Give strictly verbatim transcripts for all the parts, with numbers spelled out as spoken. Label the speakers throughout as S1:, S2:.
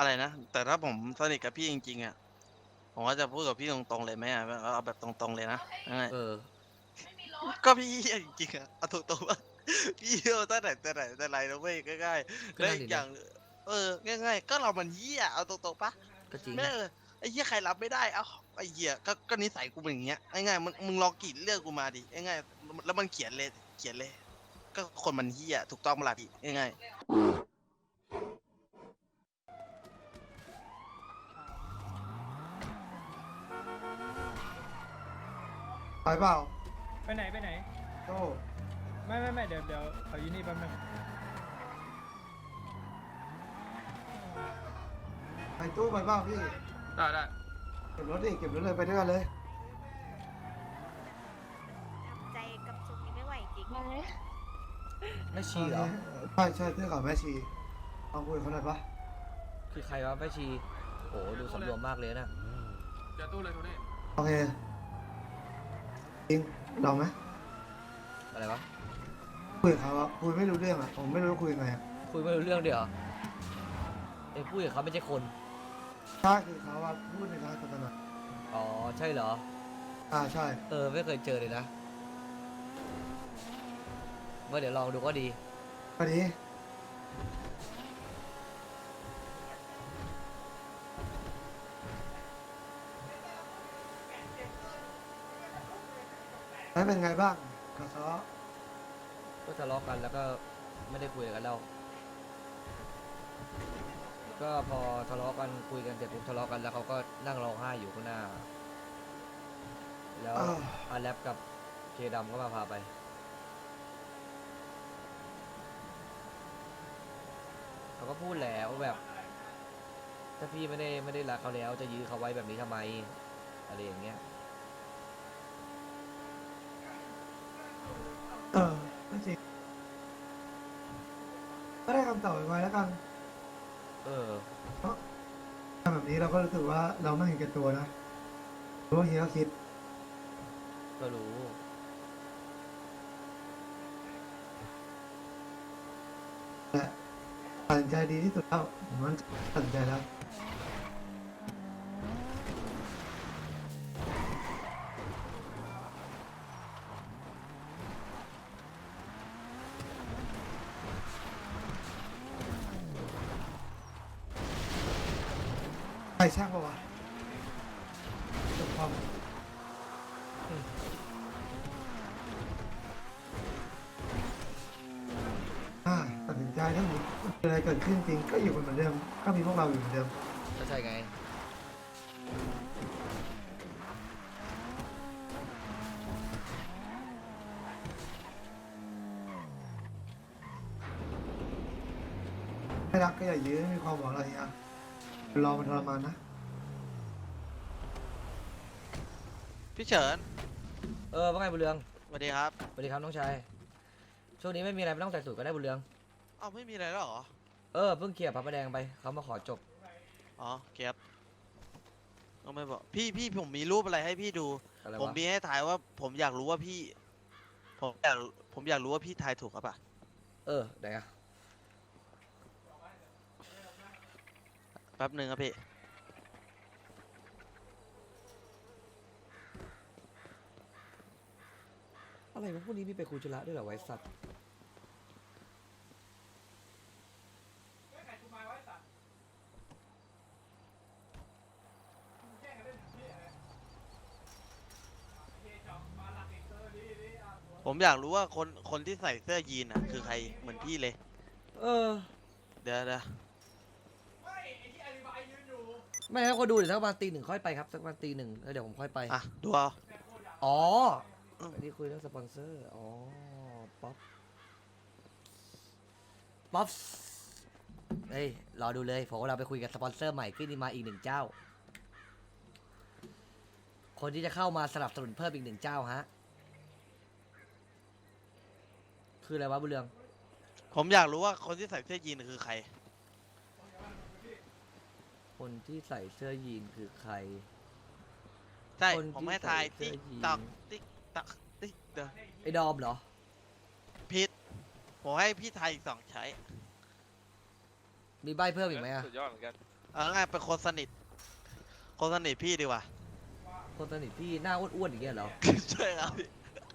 S1: อะไรนะแต่ถ้าผมสนิทกับพี่จริงๆอ่ะผมก็จะพูดกับพี่ตรงๆเลยไหมอ่ะเอาแบบตรงๆเลยนะง่าย
S2: เออ
S1: ๆก็พี่เหี้ยจริงๆอ่ะเอาตรงๆว่าพี่เหี้ยตั้งแต่แต่ไหนแต่ไรแล้วเว้ยง่ายๆ
S2: ก็นั่นดินะ
S1: และอีกอย่างเออง่ายๆก็เรามันเหี้ยเอาตรงๆปะ
S2: ก็จริง
S1: เออไอ้เหี้ยใครรับไม่ได้เอ้าไอ้เหี้ยก็ก็นิสัยกูเป็นอย่างเงี้ยง่ายๆมึงมึงลองกรีดเลือดกูมาดิง่ายๆแล้วมันเขียนเลยเขียนเลยก็คนมันเหี้ยถูกต้องเปะล่าพี่ง่ายๆ
S3: ไปเปล่า
S4: ไปไหนไปไหน
S3: โต้
S4: ไม่ไม่ไม่เดี๋ยวเดี๋ยวขออยู่นี่แป๊บนึง
S3: ไปตู้ไปเปล่าพี่
S5: ได้ได้
S3: เก็บรถดิเก็บรถเลยไปด้วยกันเลย
S6: ใจกับซุปนี้ไม่ไหวจริง
S2: แม่ชีเหรอ
S3: ใช่ใช่เสื้อขาวแม่ชีลองคุยกับเขาหน่อยปะ
S2: คือใครวะแม่ชีโอ้ดูสำรวมมากเลยนะ
S5: เจอตู้เลยโทนี่
S3: โอเคจริงลองไหม
S2: อะไรวะ
S3: คุยกับเขาอะคุยไม่รู้เรื่องอะผมไม่รู้จะคุยยังไงอะ
S2: คุยไม่รู้เรื่องเดี๋ยวไอ้พูดกับเขาไม่ใช่คน
S3: ใช่คือเขาว่าพูดในทางศาสนา
S2: อ๋อใช่เหรอ
S3: อ่าใช่
S2: เออไม่เคยเจอเลยนะว่าเดี๋ยวลองดูก็ดี
S3: พอดีแล้วเป็นไงบ้างกับเขา
S2: ก็ทะเลาะกันแล้วก็ไม่ได้คุยกันแล้วก็พอทะเลาะกันคุยกันเสร็จปุ๊บทะเลาะกันแล้วเขาก็นั่งร้องไห้อยู่ข้างหน้า แล้ว
S3: อ้าว
S2: อาแลปกับเคดำก็มาพาไปเขาก็พูดแล้วแบบ ถ้าพี่ไม่ได้ไม่ได้รักเขาแล้วจะยื้อเขาไว้แบบนี้ทำไมอะไรอย่างเงี้ย
S3: เออก็จริงก็ได้คำตอบไว้แล้วกัน
S2: เออ
S3: ทำแบบนี้เราก็รู้สึกว่าเราไม่เห็นแก่ตัวนะรู้ว่าเฮียก็คิด
S2: ก็รู้
S3: แต่ตัดสินใจดีที่สุดแล้วผมว่าตัดสินใจแล้วใครช่างปะวะจบความอ่าตัดสินใจถ้ามีอะไรเกิดขึ้นจริงก็อยู่กันเหมือนเดิมก็มีพวกเราอยู่เหมือนเดิม
S2: ก็ใช่ไง
S3: ไม่รักก็อย่ายื้อไม่มีความหวังอะไรอ่ะรอมันทรมานนะ
S1: พี่เฉิน
S2: เออว่าไงบุญเรือง
S1: สวัสดีครับ
S2: สวัสดีครับน้องชายช่วงนี้ไม่มีอะไรไม่ต้องใส่สูตรก็ได้บุญเรือง
S1: เอ้าไม่มีอะไรแล้วเหรอ
S2: เออเพิ่งเคลียร์พระประแดงไปเขามาขอจบ
S1: อ๋อเก็บก็ไม่บอกพี่พี่ผมมีรูปอะไรให้พี่ดู
S2: อะไร
S1: ผม
S2: วะ
S1: มีให้ถ่ายว่าผมอยากรู้ว่าพี่ ผมอยากผมอยากรู้ว่าพี่ทายถูกครับป่ะ
S2: เออไหนอะ
S1: แป๊บหนึ่งครับพี่
S2: อะไรวะพวกนี้มีไปคุยจุระด้วยเหรอไว้สัตว์
S1: ผมอยากรู้ว่าคนคนที่ใส่เสื้อยีนอ่ะคือใครเหมือนพี่เลย
S2: เออ
S1: เดี๋ยวเดี๋ยว
S2: ไม่ให้เขาดูเดี๋ยวสักประมาณตีหนึ่งค่อยไปครับสักประมาณตีหนึ่งแล้วเดี๋ยวผมค่อยไป
S1: อ่ะดูเอา
S2: อ๋ออันนี้คุยเรื่องสปอนเซอร์ อ๋อ ป๊อป ป๊อปเฮ้ย รอดูเลยผมว่าเราไปคุยกับสปอนเซอร์ใหม่ขึ้นมาอีกหนึ่งเจ้า คนที่จะเข้ามาสนับสนุนเพิ่มอีกหนึ่งเจ้าฮะ คืออะไรวะบุญเรือง
S1: ผมอยากรู้ว่าคนที่ใส่เสื้อยีนคือใคร
S2: คนที่ใส่เสื้อยีนคือใคร
S1: ใช่
S2: คนที่
S1: ผมให้ทาย
S2: ใส่เสื้
S1: ติ๊
S2: อก ยีน
S1: ตอกติ๊กตอกติ๊กเดี๋ยว
S2: ไอ้ดอมเหรอ
S1: ผิดผมให้พี่ทายอีกสองใช้
S2: มีใบเพิ่มอีกไหมอะ
S5: สุดยอดเหมือนกัน
S1: เอาง่ายเป็นคนสนิทคนสนิทพี่ดีกว่า
S2: คนสนิทพี่หน้าอ้วนๆอย่างเงี้ยเหรอ
S1: ใช่ครับพี่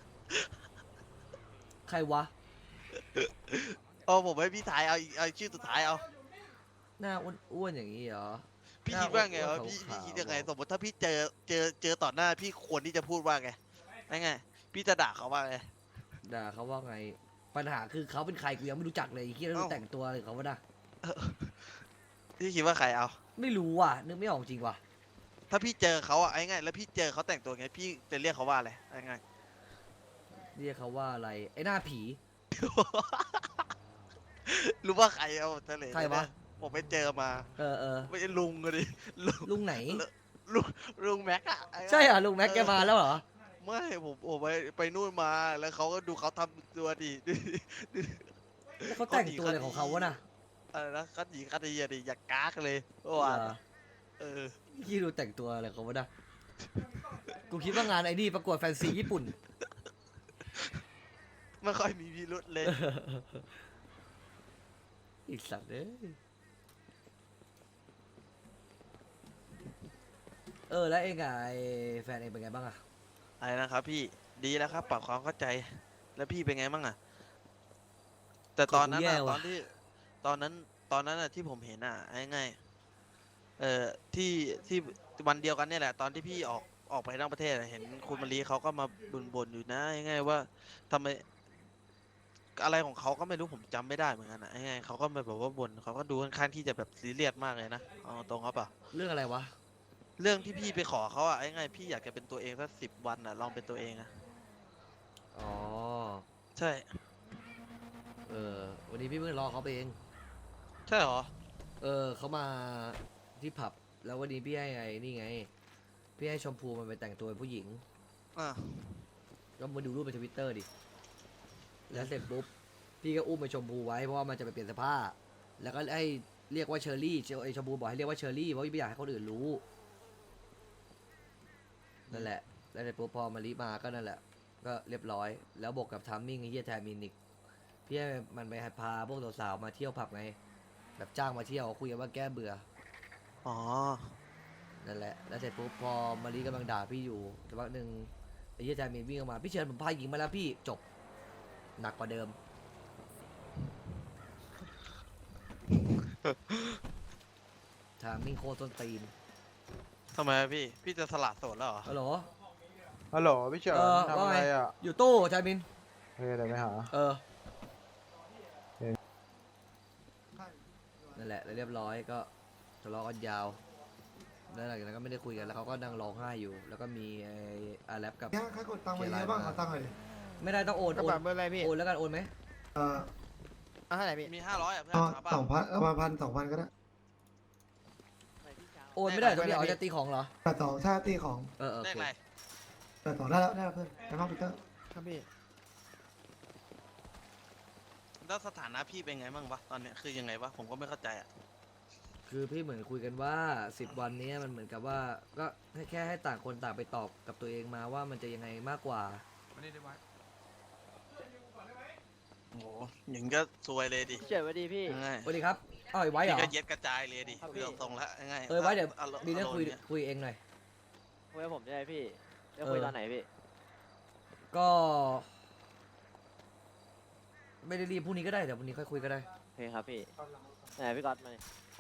S2: ใครวะ
S1: เอาผมให้พี่ถ่ายเอาอีกเอาชื่อสุดท้ายเอา
S2: หน้าอ้วนๆอย่างงี้เหรอ
S1: พี่
S2: หน้
S1: คิดว่าไง
S2: อ้
S1: วะ
S2: นๆ
S1: พี่
S2: ขาวๆ
S1: พี่คิดยังไง
S2: เหรอ
S1: สมมติถ้าพี่เจอเจอเจอต่อหน้าพี่ควรที่จะพูดว่าไงไงพี่จะด่าเขาว่าไง
S2: ด่าเขาว่าไง ปัญหาคือเขาเป็นใครกูยังไม่รู้จักเลยไอ้เฮียแล้ว
S1: เอ้า
S2: แต่งตัวอะไรเขาวะนะ
S1: พี่คิดว่าใครเอา
S2: ไม่รู้ว่ะนึกไม่ออกจริงว่ะ
S1: ถ้าพี่เจอเขาอะไอ้ไงแล้วพี่เจอเขาแต่งตัวไงพี่จะเรียกเขาว่าอะไรไอ้ไง
S2: เรียกเขาว่าอะไรไอ้หน้าผี
S1: รู้ว่าใครเอาทะเล
S2: ใครวะ
S1: ผมไปเจอมา
S2: เออเออ
S1: ไม่ใช่ลุงเลยดิลุง
S2: ลุงไหน
S1: ลุงลุงแม็กอะไอ้
S2: ใช่เหรอลุงแม็กแกมาแล้วเหรอ
S1: ไม่ผมผมไปไปนู่นมาแล้วเขาก็ดูเขาทำตัวดิ
S2: แล้วเขาแต่งตัวอะไรของเขาวะน่ะ
S1: อะไรนะคัดหยีคัดเยียดิอย่ากากเลยเมื่อวาน
S2: เหรอ
S1: เออ
S2: ยี่ดูแต่งตัวอะไรของเขาวะน่ะกูคิดว่างานไอ้นี่ประกวดแฟนซีญี่ปุ่น
S1: ไม่ค่อยมีพิรุษเลย
S2: อีกสัตว์เอ้ยเออแล้วเองอะไอ้แฟนเองเป็นไงบ้างอะ
S1: อะไรนะครับพี่ดีแล้วครับปรับความเข้าใจแล้วพี่เป็นไงบ้างอะแต่ตอนนั้นอะตอนที่ตอนนั้นตอนนั้นอะที่ผมเห็นอะง่ายๆเอ่อที่ที่วันเดียวกันเนี่ยแหละ ตอนที่พี่ออกออกไปนอกประเทศอะเห็นคุณมารีเขาก็มาบ่นๆอยู่นะง่ายๆว่าทำไมอะไรของเขาก็ไม่รู้ผมจำไม่ได้เหมือนกันนะง่ายๆเขาก็มาแบบว่าบ่นเขาก็ดูค่อนข้างที่จะแบบซีเรียสมากเลยนะเอาตรงครับเปล่า
S2: เรื่องอะไรวะ
S1: เรื่องที่พี่ไปขอเขาอะง่ายๆพี่อยากจะเป็นตัวเองสักสิบวันอะลองเป็นตัวเองอะ
S2: อ๋อ
S1: ใช่
S2: เออวันนี้พี่เพิ่งรอเขาไปเอง
S1: ใช่เหรอ
S2: เออเขามาที่ผับแล้ววันนี้พี่ให้ไงนี่ไง พี่ให้ชมพูมันไปแต่งตัวเป็นผู้หญิง
S1: อ่ะ
S2: ก็มาดูรูปในทวิตเตอร์ดิแล้วเสร็จปุ๊บพี่ก็อุ้มไปชมพูไว้เพราะว่ามันจะไปเปลี่ยนเสื้อผ้า แล้วก็ให้เรียกว่าเชอร์รี่เชอไอชมพูบอกให้เรียกว่าเชอร์รี่เพราะไม่อยากให้คนอื่นรู้นั่นแหละแล้วเสร็จปุ๊บพอมารีมาก็นั่นแหละ ก็เรียบร้อย แล้วบวกกับทัมมิ่งไอ้เหี้ยแทมินิกพี่ให้มันไปพาพวกสาวๆมาเที่ยวผับไง แบบจ้างมาเที่ยวคุยกันว่าแก้เบื่อ
S1: อ๋อ
S2: นั่นแหละ แล้วเสร็จปุ๊บพอมารีกำลังด่าพี่อยู่สักพักหนึ่งไอ้เหี้ยแทมินวิ่งออกมาพี่เชิญผมพาหญิงมาแล้วพี่จบหนักกว่าเดิม ทามิ่งโคตรต้นตีน
S1: ทำไมอะพี่ พี่จะสละโสดแล้วเหรอ
S2: ฮัลโหล
S7: ฮัลโหลพี่เฉิน
S2: เออ
S7: ทำ
S2: ว่า
S7: อะไร
S2: ไง
S7: อ่ะ
S2: อยู่ตู้ชายมิน
S7: เฮ้ยเดี๋ยวไปหา
S2: เออ
S7: เอ๊ะ
S2: นั่นแหละแล้วเรียบร้อยก็ทะเลาะกันยาว แล้วหลังจากนั้นก็ไม่ได้คุยกันแล้วเขาก็นั่งร้องไห้อยู่ แล้วก็มีไอ้อาแรปกับ
S3: เนี่ยใครกดตังค์มาเยอะบ้างขอตังค์หน่อยดิ
S2: ไม่ได้ต้องโอน
S8: กระ
S2: โอน
S8: เป๋าเบอร์อะไรพี่
S2: โอนแล้วกันโอนไหม
S3: เออ
S8: เอาเท่าไหร่พี่
S1: มีห้าร้อยอ่ะเพื่อน
S3: เอา
S1: เอาเปล่า
S3: สองพันเอามาพันสองพันก็ได้
S2: โอนไม่ได้ตรงนี้เอาจะตีของเหรอ
S3: แต่สองชาติของ
S2: เออเออโอ
S1: ได้
S2: เค
S1: ไร
S3: แต่สองได้แล้วได้แล้วเพื่อนไปห้องปีเตอร์
S8: ครับพี่
S1: แล้วสถานะพี่เป็นไงบ้างวะตอนเนี้ยคือยังไงวะผมก็ไม่เข้าใจอ่ะ
S2: คือพี่เหมือนคุยกันว่าสิบวันนี้มันเหมือนกับว่าก็ให้แค่ให้ต่างคนต่างไปตอบกับตัวเองมาว่ามันจะยังไงมากกว่า
S5: วันนี้ได้ไว้
S1: โอ้โหอย่างก็ซวยเลยดิ
S8: เฉินสวัสดีพี่
S1: ง่าย
S2: สวัสดีครับอ้าวไอ้ไว้เหร
S1: พี่
S2: อ
S1: ก็เย็ดกระจายเลยดิ
S8: ครับพี่
S1: เรื่องตรงละง่าย
S2: เออไว้เดี๋ยว
S1: อารมณ์
S2: มีเรื่องคุย
S1: อารมณ์นี่
S2: คุยเองหน่อย
S8: คุยกับผมได้ไหมพี่จะคุย
S2: เออ
S8: ตอนไหนพี่
S2: ก็ ไม่ได้รีบพรุ่งนี้ก็ได้เดี๋ยวพรุ่งนี้ค่อยคุยก็ได้
S8: โอเคครับพี่ไหนพี่ก๊อตมาดิ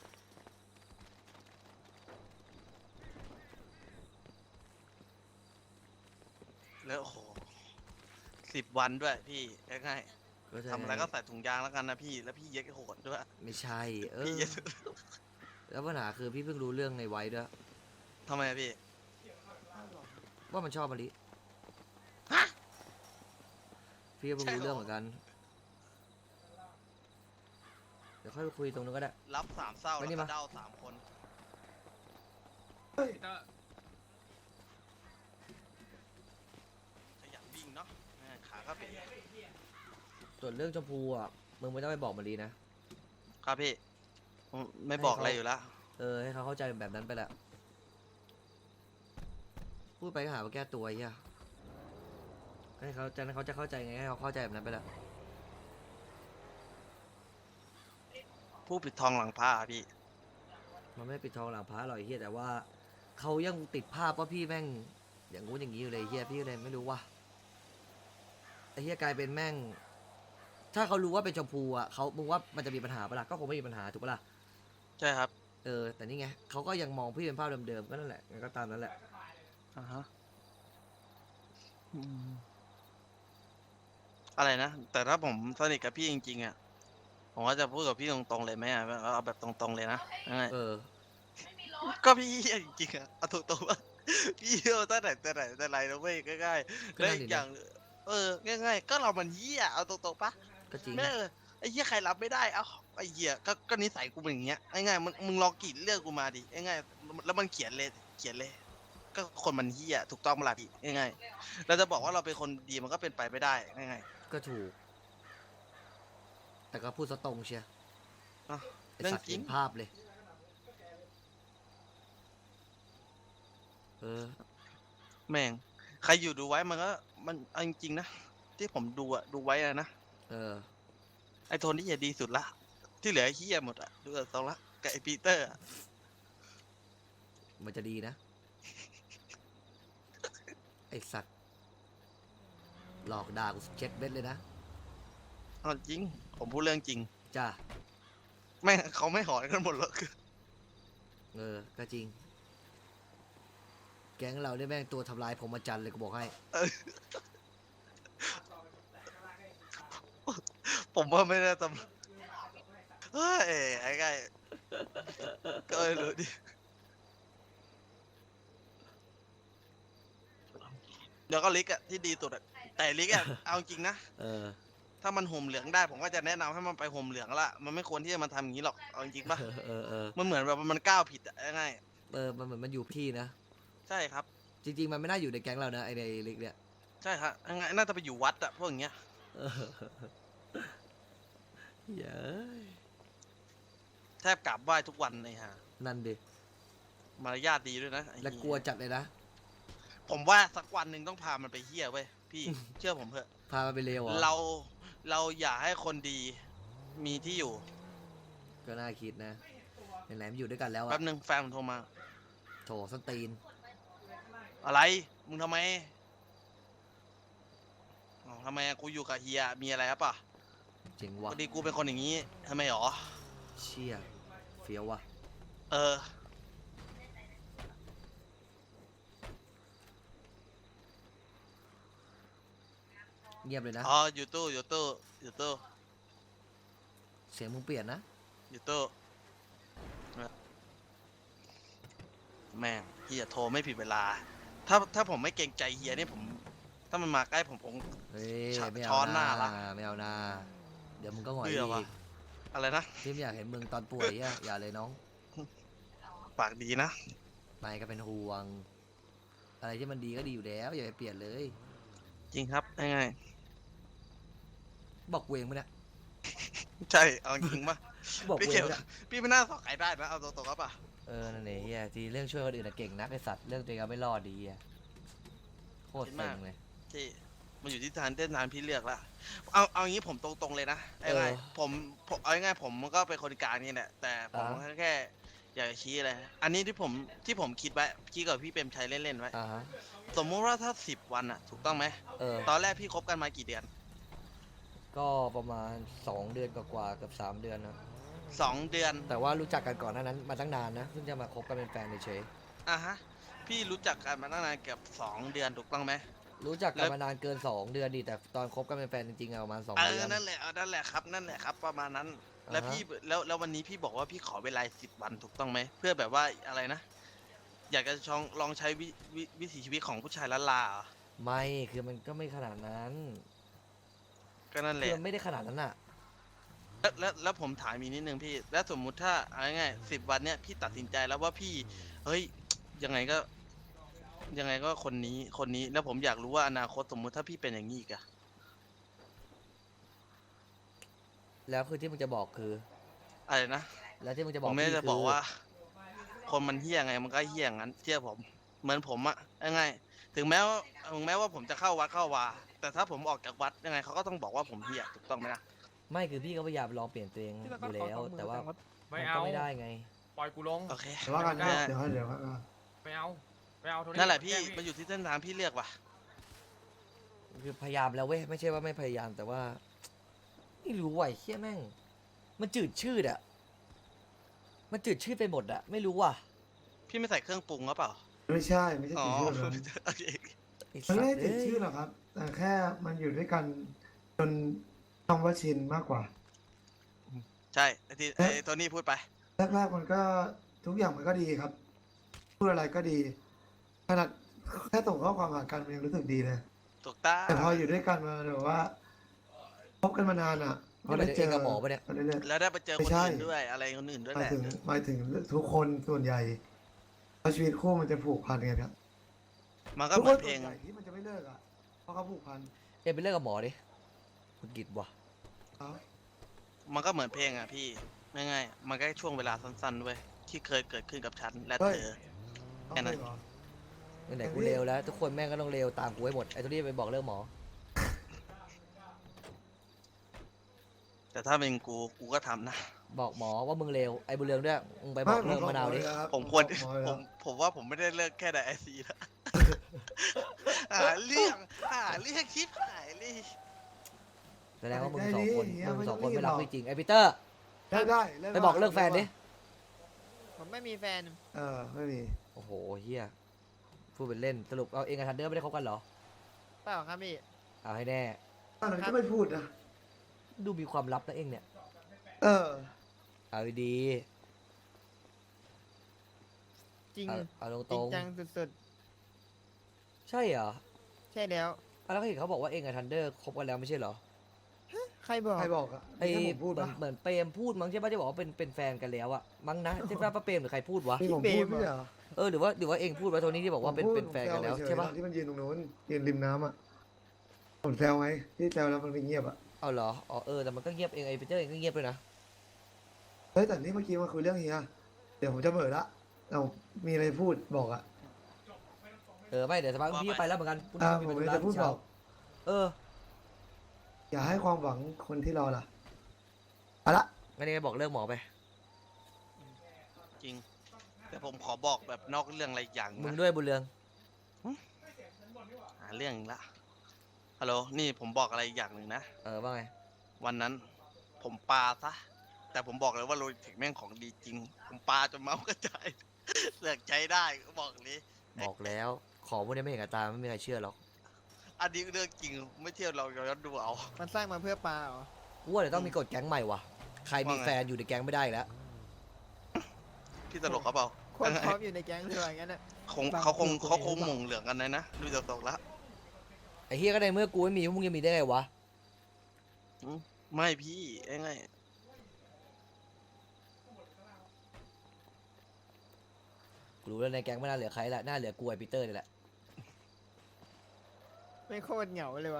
S1: แล้วโอ้โหสิบวันด้วยพี่ง่าย
S2: ก็จะ
S1: ๆทำอะไรก็ใส่ถุงยางแล้วกันนะพี่แล้วพี่เย็ดโหดด้วย
S2: ไม่ใช่ เอ
S1: พี่
S2: อ
S1: เย็ด
S2: แล้วปัญหาคือพี่เพิ่งรู้เรื่องในไว้ด้วย
S1: ทำไมอะพี่
S2: ว่ามันชอบมะลิ
S1: ฮะ
S2: พี่ก็เพิ่งรู้
S1: ใช่เหรอ
S2: เรื่องเหมือนกัน เดี๋ยวค่อยไปคุยตรงนู้นก็ได้
S1: รับสามเศร้า
S2: ไป
S1: แล้ว
S2: นี่
S1: ก็
S2: มา
S1: เด้าสามคน
S5: พีเตอร์
S1: ขยันวิ่งเนาะแม่งขาก็เป็น
S2: ส่วนเรื่องชมพูอ่ะมึงไม่ต้องไปบอกมะลินะ
S1: ครับพี่ผมไม่บอกอะไรอยู่แล้ว
S2: เออให้เขาเข้าใจแบบนั้นไปแหละ พูดไปก็หาว่าแก้ตัวไอ้เหี้ยให้เขาจะเขาจะเข้าใจไงให้เขาเข้าใจแบบนั้นไปแหละ
S1: ผู้ปิดทองหลังผ้าพี่
S2: มันไม่ปิดทองหลังพระหรอกไอ้เฮียแต่ว่าเขายังติดภาพว่าพี่แม่ง อย่างงู้นอย่างนี้อยู่เลยไอ้เฮียพี่เลยไม่รู้ว่าไอ้เฮียกลายเป็นแม่ง ถ้าเขารู้ว่าเป็นชมพูอ่ะเขามึงว่ามันจะมีปัญหาปะล่ะก็คงไม่มีปัญหาถูกปะล่ะ
S1: ใช่ครับ
S2: เออแต่นี่ไงเขาก็ยังมองพี่เป็นภาพเดิมๆก็นั่นแหละงั้นก็ตามนั้นแหละ
S1: อ่าฮะอืมอะไรนะ แต่ถ้าผมสนิทกับพี่จริงๆอ่ะ ผมก็จะพูดกับพี่ตรงๆเลยไหมอ่ะเอาแบบตรงๆเลยนะยังไง
S2: เออ
S1: ก็พี่เหี้ยจริงๆอ่ะเอาตรงๆว่า พี่เหี้ยตั้งแต่แต่ไหนแต่ไรนะเว้ยง่ายๆ
S2: ก็
S1: แล้ว
S2: นั่น
S1: อี
S2: ดิ
S1: กอย่าง เออ ง่ายๆ ก็เรามันเหี้ยเอาตรงๆปะ
S2: ก็จริง
S1: แม่เออไอ้เหี้ยใครรับไม่ได้ เอ้าไอ้เหี้ยก็ก็นิสัยกูเป็นอย่างเงี้ยง่ายๆมึงมึงลองกรีดเลือกกูมาดิง่ายๆแล้วมันเขียนเลยเขียนเลย ก็คนมันเหี้ยถูกต้องมาละพี่ง่ายๆเราจะบอกว่าเราเป็นคนดีมันก็เป็นไปไม่ได้ง่าย
S2: ก็ถูก แต่ก็พูดซะตรงเชีย
S1: ๆอ่ะ
S2: ไอ
S1: เรื่อง
S2: สัตว์
S1: จริ
S2: เห็
S1: ง
S2: นภาพเลย เออ
S1: แม่งใครอยู่ดูไว้มันก็มันเอาจริงๆนะที่ผมดูอะดูไว้อะนะ
S2: เออ
S1: ไอ้โทนี่จะดีสุดละ ที่เหลือไอ้เหี้ยหมดอะดูจากทรงละกับไอ้ปีเตอร์อะ
S2: มันจะดีนะ ไอสัตว์ หลอกด่ากูเช็ดเบ็ดเลยนะ
S1: เอาจริง ผมพูดเรื่องจริง
S2: จ้า
S1: แม่งเขาไม่หอนกันหมดหรอก
S2: เออ ก็จริง แก๊งเราเนี่ยแม่งตัวทำลายผมอาจารย์เลยกูบอกให้
S1: ผมว่าไม่ได้ตำเฮ้ยไอ้ไงก็ไม่รู้ดิเดี๋ยวก็ลิกอะที่ดีสุดอะแต่ลิกอะเอาจริงนะ
S2: เออ
S1: ถ้ามันห่มเหลืองได้ผมก็จะแนะนำให้มันไปห่มเหลืองละมันไม่ควรที่จะมาทำอย่างนี้หรอกเอาจริงๆปะ
S2: เออ เออ เออ
S1: มันเหมือนแบบมันก้าวผิดอะง่าย
S2: เออ มันเหมือนมันอยู่ที่นะ
S1: ๆใช่ครับ
S2: จริง ๆ มันไม่น่าอยู่ในแก๊งเรานะไอในลิกเนี่ย
S1: ใช่ครับง่ายๆน่าจะไปอยู่วัดอะพวกอย่างเงี้ย
S2: เออเย้ย
S1: แทบกราบไหว้ทุกวันเลยฮะ
S2: นั่นดิ
S1: มารยาทดีด้วยนะไอ้
S2: และ
S1: เหี้ย
S2: กลัวจัดเลยนะ
S1: ผมว่าสักวันหนึ่งต้องพามันไปเฮี้ยเว้ยพี่ เชื่อผมเถอะ
S2: พามาไปเลวเหรอ
S1: เราเราอย่าให้คนดีมีที่อยู่
S2: ก็น่าคิดนะไหนๆมันอยู่ด้วยกันแล้วอะ
S1: แป๊บหนึ่งแฟนผมโทรมา
S2: โถส้นตีน
S1: อะไร มึงทำไมอ๋อทำไมอะกูอยู่กับเฮียมีอะไรครับป่ะ
S2: เจ๋ง
S1: พ
S2: วะ
S1: อดีกูเป็นคนอย่างนี้ทำไมหรอ
S2: เชี่ยเฟี้ยววะ
S1: เออ
S2: เงียบเลยนะ
S1: อ๋ออยู่ตู้อยู่ตู้อยู่ตู้
S2: เสียงมึงเปลี่ยนนะ
S1: อยู่ตู้แม่งเฮียโทรไม่ผิดเวลา ถ้าถ้าผมไม่เกรงใจเฮียเนี่ยผม ถ้ามันมาใกล้ผมผม
S2: เฮ้ย
S1: ช้อน
S2: ไม่
S1: ช้
S2: เอา
S1: อนหน้าละ
S2: ไม่เอาหน้าเดี๋ยวมึงก็หงอย
S1: เบื่อ
S2: อี
S1: ว่ะ
S2: ก
S1: อะไรนะ
S2: พี่ไม่อยากเห็นมึงตอนป่วยอ่ะอย่าเลยน้อง
S1: ปากดีนะ
S2: นายก็เป็นห่วง อะไรที่มันดีก็ดีอยู่แล้ว อย่าไปเปลี่ยนเลย
S1: จริงครับง่าย
S2: บอกเวงปะเนี่ย
S1: ๆใช่เอาจริงปะ
S2: บอก
S1: พี่
S2: เว
S1: เขี
S2: ง
S1: ยว
S2: ปะเนี่ย
S1: พี่ไม่น่าสอกใครได้นะเอาตรงๆครับป่ะ
S2: เออนั่นเองเฮียทีเรื่องช่วยคนอื่นนะเก่งนักไอสัตว์เรื่องตัวเองก็ไม่รอดดีเฮียโคตรเซ็งเลย
S1: ที่มันอยู่ที่ทานเต้นทานพี่เลือกละเอาเอางี้ผมตรงๆเลยนะไอ้ไง
S2: เออ
S1: ผมผมเอาง่ายๆผมก็เป็นคนกลางนี่แหละแต่ผม
S2: อ่า
S1: แค่อยากจะชี้อะไรอันนี้ที่ผมที่ผมคิดไว้คิดกับพี่เปรมชัยเล่นๆไว้
S2: อ่าฮะ
S1: สมมุติว่าถ้าสิบวันอะถูกต้องไหม
S2: เออ
S1: ตอนแรกพี่คบกันมากี่เดือน
S2: ก็ประมาณสองเดือนกว่าๆเกับสามเดือนนะ
S1: สองเดือน
S2: แต่ว่ารู้จักกันก่อนหน้านั้นมาตั้งนานนะเพิ่งจะมาคบกันเป็นแฟนเฉย
S1: อ่ะฮะพี่รู้จักกันมาตั้งนานเกือบสองเดือนถูกต้องไหม
S2: ๆรู้จักกันมานานเกินสองเดือนดิแต่ตอนคบกันเป็นแฟนจริงๆอะประมาณสอง
S1: เอ
S2: เดื
S1: อ
S2: อน
S1: นั่นแหละเอานั่นแหละครับนั่นแหละครับประมาณนั้น แล้ว
S2: อ่าฮะ
S1: พี่แล้วแล้ววันนี้พี่บอกว่าพี่ขอเวลาสิบวันถูกต้องไหมเพื่อแบบว่าอะไรนะ อยากจะลองลองใช้วิวิวิถีชีวิตของผู้ชายละลาเหรอ
S2: ไม่คือมันก็ไม่ขนาดนั้น
S1: ก็นั่นแห
S2: คือ
S1: ละ
S2: มันไม่ได้ขนาดนั้นอะ
S1: แล้วแล้วแล้วผมถามอีกนิดนึงพี่ แล้วสมมุติถ้าเอาง่ายสิบวันเนี้ยพี่ตัดสินใจแล้วว่าพี่ เฮ้ย ยังไงก็ ยังไงก็คนนี้คนนี้แล้วผมอยากรู้ว่าอนาคตสมมุติถ้าพี่เป็นอย่างนี้อีกอะ
S2: แล้วคือที่มึงจะบอกคือ
S1: อะไรนะ
S2: แล้วที่มึงจะบ
S1: ผ
S2: อก
S1: มไม่ได้
S2: พี่
S1: จะ
S2: คื
S1: บอกว่า คนมันเฮี้ยไงมันก็เฮี้ยงั้นเชื่อผม เหมือนผมอะยังไง ถึงแม้ว่าถึงแม้ว่าผมจะเข้าวัดเข้าวา แต่ถ้าผมออกจากวัดยังไงเขาก็ต้องบอกว่าผมเฮี้ยถูกต้องไหมนะ
S2: ไม่คือพี่ก็พยายามลองเปลี่ยนตัวเองอยู่แล้ว แต่ว่า
S5: ไม่
S2: มัน
S5: เอา
S2: ก็ไม่ได้ไง
S5: ปล่อยกูลง
S1: โอเค
S3: เดี๋ยวว่ากันนะเดี๋ยวให้เดี๋ยวว่ากัน
S5: ไม่เอาไม่เอาโทนี่
S1: นั่นแหละพี่
S5: กล้ง
S1: มันอยู่ที่เส้นทางพี่เลือกว่ะ
S2: คือพยายามแล้วเว้ยไม่ใช่ว่าไม่พยายามแต่ว่าไม่รู้ว่ะไอ้เฮียแม่ง มันจืดชืดอะมันจืดชืดไปหมดอะไม่รู้ว่ะ
S1: พี่ไม่ใส่เครื่องปรุงหรือเปล่า
S3: ไม่ใช่ไม่ใช่
S1: อ๋อ
S3: ติดชื่อเลย
S1: โอเค
S2: ไอ้
S3: มัน
S2: สัต
S3: ไม่
S2: ว์
S3: ได้ติด
S2: เอ้ย
S3: ชื่อหรอกครับ แต่แค่มันอยู่ด้วยกันจนคำว่าชินมากกว่า
S1: ใช่ไอ้ที่ไอ้โทนี่พูดไป
S3: แรกๆมันก็ทุกอย่างมันก็ดีครับ พูดอะไรก็ดีขนาดแค่ส่งข้อความหากันมันยังรู้สึกดีเลย
S1: ถูกต้อง
S3: แต่พออยู่ด้วยกันมาแบบว่าพบกันมานานอ่ะพอ
S2: นี่มัน
S3: ได้
S2: เอ
S3: เจ
S2: ง
S3: อ
S2: กับหมอปะเนี่ย
S3: ก็เรื่อย
S1: แล้วได้ไปเจอ
S3: ไม่
S1: คน
S3: ใช่
S1: อื่นด้วยอะไรคนอื่นด้วย
S3: ๆห
S1: แห
S3: มาย
S1: ละ
S3: ถึงหมายถึงทุกคนส่วนใหญ่เพราะชีวิตคู่มันจะผูกพันกันครับ
S1: มันก็
S3: ทุก
S1: เห
S3: ค
S1: มือน นเพ
S3: ส่
S1: ล
S3: วน
S1: ง
S3: ใหญ่ที่มันจะไม่เลิกอ่ะเพราะเขาผูกพัน
S2: เอ็มไปเลิกกับหมอดิคุณกิจว่ะ
S3: เขา
S1: มันก็เหมือนเพลงอ่ะพี่ง่ายๆมันก็แค่ช่วงเวลาสั้นๆเว้ยที่เคยเกิดขึ้นกับฉันและเธอ
S3: เขา
S1: แค่นั้น
S3: เคยเหรอ
S2: ไหนๆกูเลวแล้ว ทุกคนแม่งก็ต้องเลวตามกูให้หมดไอ้ตัวนี้ไปบอกเลิกหมอ
S1: แต่ถ้าเป็นกูกูก็ทำนะ
S2: บอกหมอว่ามึงเลวไอ้บุญเรืองด้วยมึงไปบอกเลิกมะนาวดิ
S1: ผมควร
S3: หอ
S1: ผ
S3: แล้ว
S1: มผมว่าผมไม่ได้เลิกแค่ในไอซีแล้วหาเรื่องหาเรื่องชิปหายเลย
S2: แสดงว่ามึงสองคนมึงสองคนไม่รักพี่จริงไอ้ปีเตอร์
S3: ได้ได้
S2: ไปบอกเลิกแฟนดิ
S8: ผมไม่มีแฟน
S3: เออไม่มี
S2: โอ้โหเฮียพูดเป็นเล่นสรุปเอาเองกับทันเดอร์ไม่ได้คบกันเหรอ
S8: เปล่าครับพี่
S2: เอาให้แน่
S3: ตอนนั้นก็ไม่พูดนะ
S2: ดูมีความลับนะเองเนี่ย
S3: เออ
S2: เอาดี
S8: จริง
S2: ๆเอาเอาต
S8: จริ
S2: รง ง
S8: จังสุด
S2: ๆใช่เหรอ
S8: ๆ ใช่แล้ว
S2: อ่ะแล้วก็เห็นเขาบอกว่าเองกับทันเดอร์คบกันแล้วไม่ใช่เหรอ
S8: ใครบอก
S3: ใครบอกอะ
S2: ไอ้
S3: ที่ผมพูด
S2: เหมือ
S3: ปะ
S2: นเหมือนเปรมพูดมั้งใช่ป่ะที่บอกว่าเป็นเป็นแฟนกันแล้วอะมั้งนะใช่ป่ะป้าเปรมหรือใครพูดวะ
S3: ที่ผมพูดไม่ใช่เหรอ
S2: เออหรือว่าหรือว่าเองพูดไว้โทนี่ที่บอกว่าเป็น
S3: ผมพูด
S2: เป็นแฟนกันแล้ว
S3: ผมซ
S2: ใช่
S3: เฉยๆ
S2: ป่ะ
S3: ตอนที่มันยืนตรงนู้นยืนริมน้ำอ่ะผมแซวไงที่แซวแล้วมันไม่เงียบอ่ะ
S2: เอาเหรออ๋อเออแต่มันก็เงียบเองไอ้ปีเตอร์เองก็เงียบด้วยนะ
S3: เฮ้ยแต่นี่เมื่อกี้มาคุยเรื่องเฮียเดี๋ยวผมจะเบิดละเรามีอะไรพูดบอกอ่ะ
S2: เออไม่เดี๋ยวสักพักพี่ก็ไปแล้วเหมือนกันพรุ่ง
S3: อ่า
S2: นี้
S3: ผม
S2: มี
S3: เลย
S2: ธุ
S3: จะพูด
S2: ที่
S3: บ
S2: เช้า
S3: อก
S2: เออ
S3: อย่าให้ความหวังคนที่รอล่ะเอาละ
S2: งั้นเองบอกเลิกหมอไป
S1: จริง แต่ผมขอบอกแบบนอกเรื่องอะไรอย่าง
S2: มึง
S1: นะ
S2: ด้วยบุญเรือง
S1: หาเรื่องอีกละฮัลโหลนี่ผมบอกอะไรอีกอย่างหนึ่งนะ
S2: เออว่าไง
S1: วันนั้น ผมปาซะ แต่ผมบอกเลยว่าโรยถึงแม่งของดีจริง ผมปาจนเมาส์กระจาย เสือกใจได้ก็บอกเลย
S2: บอกแล้วของพวกนี้ไม่เห็นกับตาไม่มีใครเชื่อหรอก
S1: อันนี้เรื่องจริงไม่เที่ยวเราย้อนดูเอา
S8: มันสร้างมาเพื่อปลาเหรอ
S2: กูว่าเดี๋ยวต้องมีกฎแก๊งใหม่ว่ะใครมี
S1: ว่าไง
S2: แฟนอยู่ในแก๊งไม่ได้แล้ว
S1: พี่ตลกเขาเปล่า
S8: โคนพร้อมอยู่ในแก๊งเลยว่าอย่างนั้นน่ะ
S1: คงเขาคงเขาคงหม่งเหลืองกันเลยนะดูจากตกแล้ว
S2: ไอ้เฮียก็ในเมื่อกูไม่มีพวกมึงจะมีได้ไงวะ
S1: ไม่พี่ไง
S2: กูรู้แล้วในแก๊งไม่น่าเหลือใครละน่าเหลือกูไอ้ปีเตอร์นี่แหละ
S8: ไม่โคตรเหงาเลยวะ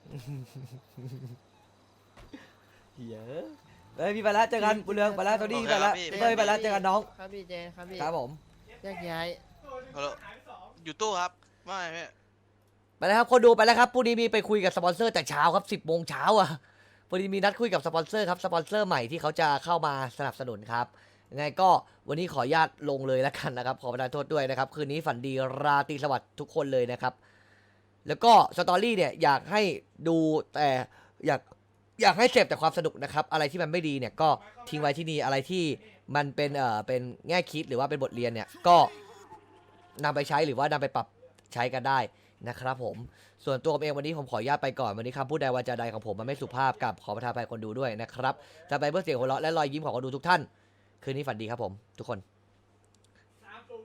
S2: เฮียเฮ้ยพี่ไปแล้วเจอกันบุญเรืองไปแล้วโทนี่ไปแล้วพี่เต้ยไปแล้วเจอกันน้อง
S8: ครับพี่เจนครับพี่
S2: ครับผม
S8: แยกย้าย
S1: ฮัลโหลอยู่ตู้ครับไม่ไม่
S2: ไปแล้วครับคนดูไปแล้วครับพรุ่งนี้มีไปคุยกับสปอนเซอร์แต่เช้าครับสิบโมงเช้าอ่ะพอดีมีนัดคุยกับสปอนเซอร์ครับสปอนเซอร์ใหม่ที่เขาจะเข้ามาสนับสนุนครับยังไงก็วันนี้ขออนุญาตลงเลยแล้วกันนะครับขอประทานโทษด้วยนะครับคืนนี้ฝันดีราตรีสวัสดิ์ทุกคนเลยนะครับแล้วก็สตอรี่เนี่ยอยากให้ดูแต่อยากอยากให้เสพแต่ความสนุกนะครับอะไรที่มันไม่ดีเนี่ยก็ทิ้งไว้ที่นี่อะไรที่มันเป็นเอ่อเป็นแง่คิดหรือว่าเป็นบทเรียนเนี่ยก็นำไปใช้หรือว่านำไปปรับใช้กันได้นะครับผมส่วนตัวผมเองวันนี้ผมขออนุญาตไปก่อนวันนี้คำพูดใดวาจาใดของผมมันไม่สุภาพกับขอประทานอภัยคนดูด้วยนะครับจะไปเพื่อเสียงหัวเราะและรอยยิ้มของคนดูทุกท่านคืนนี้ฝันดีครับผมทุกคน